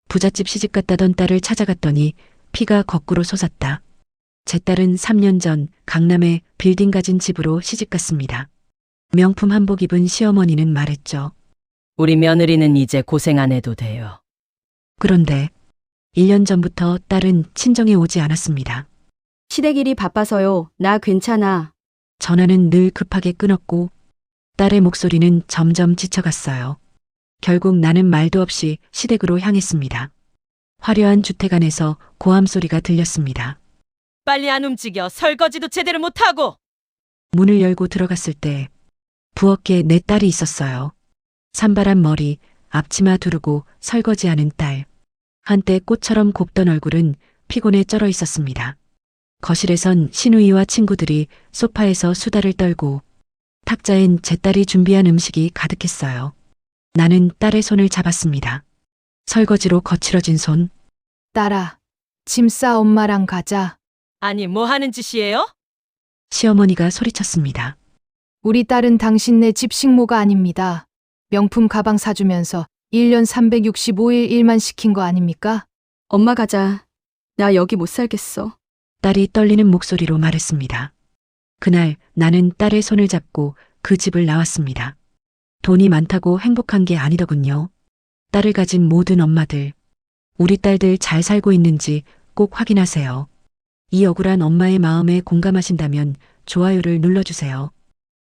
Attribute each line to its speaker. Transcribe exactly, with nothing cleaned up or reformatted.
Speaker 1: 부잣집 시집 갔다던 딸을 찾아갔더니 피가 거꾸로 솟았다. 제 딸은 삼 년 전 강남에 빌딩 가진 집으로 시집 갔습니다. 명품 한복 입은 시어머니는 말했죠.
Speaker 2: 우리 며느리는 이제 고생 안 해도 돼요.
Speaker 1: 그런데 일 년 전부터 딸은 친정에 오지 않았습니다.
Speaker 3: 시댁 일이 바빠서요. 나 괜찮아.
Speaker 1: 전화는 늘 급하게 끊었고 딸의 목소리는 점점 지쳐갔어요. 결국 나는 말도 없이 시댁으로 향했습니다. 화려한 주택 안에서 고함 소리가 들렸습니다.
Speaker 2: 빨리 안 움직여. 설거지도 제대로 못하고.
Speaker 1: 문을 열고 들어갔을 때 부엌에 내 딸이 있었어요. 산발한 머리, 앞치마 두르고 설거지하는 딸. 한때 꽃처럼 곱던 얼굴은 피곤에 쩔어 있었습니다. 거실에선 시누이와 친구들이 소파에서 수다를 떨고 탁자엔 제 딸이 준비한 음식이 가득했어요. 나는 딸의 손을 잡았습니다. 설거지로 거칠어진 손.
Speaker 4: 딸아, 짐 싸 엄마랑 가자.
Speaker 2: 아니, 뭐 하는 짓이에요?
Speaker 1: 시어머니가 소리쳤습니다.
Speaker 4: 우리 딸은 당신네 집 식모가 아닙니다. 명품 가방 사주면서 일 년 삼백육십오 일 일만 시킨 거 아닙니까?
Speaker 3: 엄마 가자. 나 여기 못 살겠어.
Speaker 1: 딸이 떨리는 목소리로 말했습니다. 그날 나는 딸의 손을 잡고 그 집을 나왔습니다. 돈이 많다고 행복한 게 아니더군요. 딸을 가진 모든 엄마들, 우리 딸들 잘 살고 있는지 꼭 확인하세요. 이 억울한 엄마의 마음에 공감하신다면 좋아요를 눌러주세요.